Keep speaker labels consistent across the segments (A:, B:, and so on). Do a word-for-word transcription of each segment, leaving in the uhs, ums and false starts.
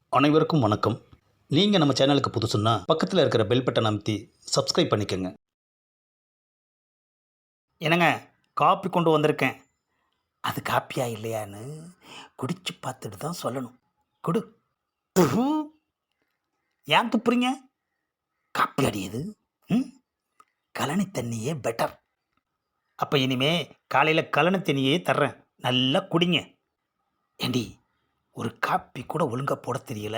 A: அனைவருக்கும் வணக்கம். நீங்கள் நம்ம சேனலுக்கு புதுசுன்னா பக்கத்தில் இருக்கிற பெல் பட்டன் அமைத்தி சப்ஸ்கிரைப் பண்ணிக்கோங்க. என்னங்க, காப்பி கொண்டு வந்திருக்கேன். அது காப்பியா இல்லையான்னு குடிச்சு பார்த்துட்டு தான் சொல்லணும். குடு. உஹு. ஏன் துப்புறீங்க? காப்பி அடியது. ம் கழனி தண்ணியே பெட்டர். அப்போ இனிமே காலையில் கழனி தண்ணியே தர்றேன், நல்லா குடிங்க. ஏண்டி, ஒரு காப்பி கூட ஒழுங்காக போட தெரியல,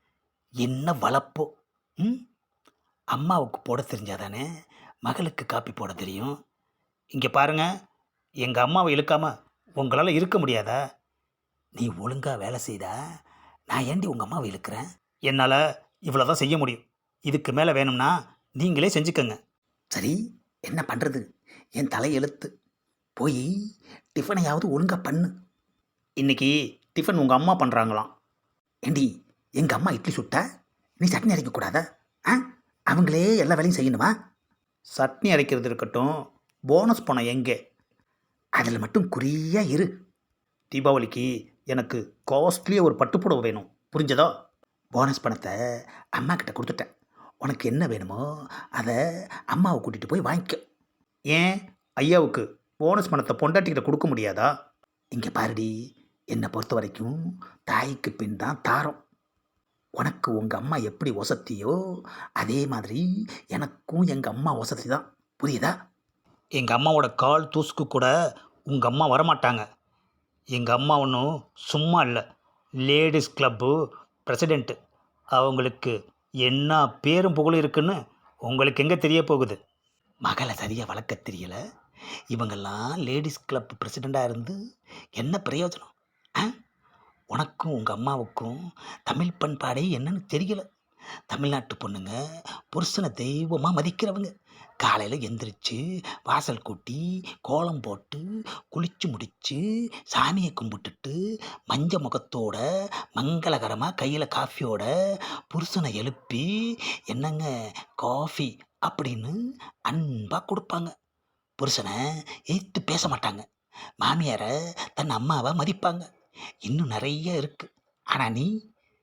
A: என்ன வளப்போ? ம் அம்மாவுக்கு போட தெரிஞ்சாதானே மகளுக்கு காப்பி போட தெரியும். இங்கே பாருங்க, எங்கள் அம்மாவை இழுக்காம உங்களால் இருக்க முடியாதா? நீ ஒழுங்காக வேலை செய்தா நான் ஏண்டி உங்கள் அம்மாவை இழுக்கிறேன்? என்னால் இவ்வளோ தான் செய்ய முடியும். இதுக்கு மேலே வேணும்னா நீங்களே செஞ்சுக்கங்க. சரி, என்ன பண்ணுறது? என் தலையெழுத்து. போய் டிஃபனையாவது ஒழுங்காக பண்ணு. இன்னைக்கு டிஃபன் உங்கள் அம்மா பண்ணுறாங்களாம். ஏண்டி, எங்கள் அம்மா இட்லி சுட்டா நீ சட்னி அரைக்கக்கூடாதா? ஆ அவங்களே எல்லா வேலையும் செய்யணுமா? சட்னி அரைக்கிறது இருக்கட்டும், போனஸ் பணம் எங்கே? அதில் மட்டும் குறியாக இரு. தீபாவளிக்கு எனக்கு காஸ்ட்லியாக ஒரு பட்டுப்புடவை வேணும், புரிஞ்சதா? போனஸ் பணத்தை அம்மா கிட்ட கொடுத்துட்டேன். உனக்கு என்ன வேணுமோ அதை அம்மாவை கூட்டிகிட்டு போய் வாங்கிக்க. ஏன் ஐயாவுக்கு போனஸ் பணத்தை பொண்டாட்டிக்கிட்ட கொடுக்க முடியாதா? இங்கே பாருடி, என்னை பொறுத்த வரைக்கும் தாய்க்கு பின் தான் தாரம். உனக்கு உங்கள் அம்மா எப்படி ஒசத்தியோ அதே மாதிரி எனக்கும் எங்கள் அம்மா ஒசத்தி தான், புரியுதா? எங்கள் அம்மாவோட கால் தூசுக்கு கூட உங்கள் அம்மா வரமாட்டாங்க. எங்கள் அம்மா ஒன்றும் சும்மா இல்லை, லேடிஸ் கிளப்பு பிரசிடெண்ட்டு. அவங்களுக்கு என்ன பேரும் புகழும் இருக்குன்னு உங்களுக்கு எங்கே தெரிய போகுது? மகளை சரியாக வளர்க்க தெரியல, இவங்கெல்லாம் லேடிஸ் கிளப் பிரசிடெண்ட்டாக இருந்து என்ன பிரயோஜனம்? ஆ உனக்கும் உங்கள் அம்மாவுக்கும் தமிழ் பண்பாடே என்னன்னு தெரியல. தமிழ்நாட்டு பொண்ணுங்க புருஷனை தெய்வமாக மதிக்கிறவங்க. காலையில் எந்திரிச்சு வாசல் கூட்டி கோலம் போட்டு குளிச்சு முடித்து சாமியை கும்பிட்டுட்டு மஞ்ச முகத்தோட மங்களகரமாக கையில் காஃபியோட புருஷனை எழுப்பி என்னங்க காஃபி அப்படின்னு அன்பாக கொடுப்பாங்க. புருஷனை எதிர்த்து பேச மாட்டாங்க. மாமியாரை தன் அம்மாவை மதிப்பாங்க. இன்னும் நிறைய இருக்குது. ஆனால் நீ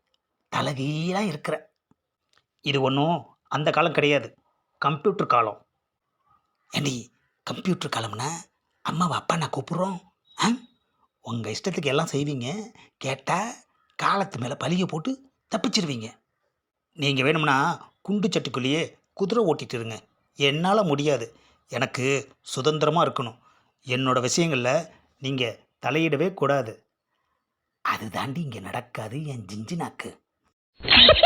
A: தலகீழாக இருக்கிற. இது ஒன்றும் அந்த காலம் கிடையாது, கம்ப்யூட்டர் காலம். ஏண்டி, கம்ப்யூட்டர் காலம்னா அம்மாவை அப்பா நான் கூப்பிட்றோம். ஆ உங்கள் இஷ்டத்துக்கு எல்லாம் செய்வீங்க, கேட்டால் காலத்து மேலே பழிய போட்டு தப்பிச்சிருவீங்க. நீங்கள் வேணும்னா குண்டு சட்டுக்குள்ளேயே குதிரை ஓட்டிட்டு இருங்க, என்னால் முடியாது. எனக்கு சுதந்திரமாக இருக்கணும். என்னோட விஷயங்களில் நீங்கள் தலையிடவே கூடாது. அது தாண்டி இங்கே நடக்காது என் ஜிஞ்சு நாக்கு.